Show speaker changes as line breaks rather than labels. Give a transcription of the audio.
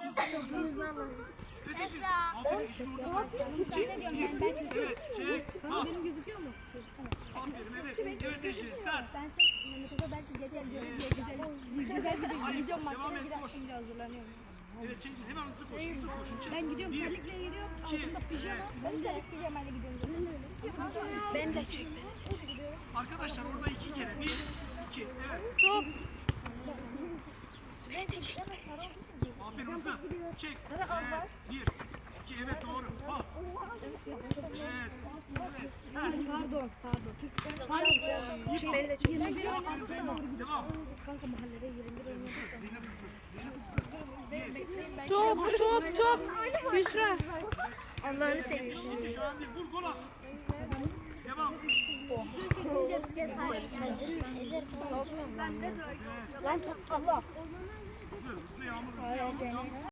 Hızlı. Yetişin. Aferin işin orada. Çek. Evet. Çek. Pas.
Benim gözüküyor mu?
Aferin evet. Evet Eşin sen.
Ben Mehmet'e belki güzel gidiyorum maçlara biraz şimdi hazırlanıyorum.
Evet çek. Hemen hızlı koş. Hızlı koş. Çek.
Ben gidiyorum
Bir,
terlikle gidiyorum.
iki,
Altında pijama.
evet.
Ben de pijamayla gidiyorum. Ben de çek.
Arkadaşlar orada 2 kere. 1, 2. Evet.
Top.
Aferin hızlı. Çek. Evet. 1, 2. Evet doğru. Pas. Evet. Evet. Sen.
Pardon.
İyi pas.
Ben de çek.
Aferin Zeynep. Devam.
Kanka mahallede 21 oynuyor.
Zeynep hızlı. Zeynep hızlı.
Top. Büşra. Allah'ını seviyorum.
Şu an değil. Vur gol at. Devam.
Ben de lan top Allah.
Hızlı. Hızlı Yağmur. Hızlı Yağmur.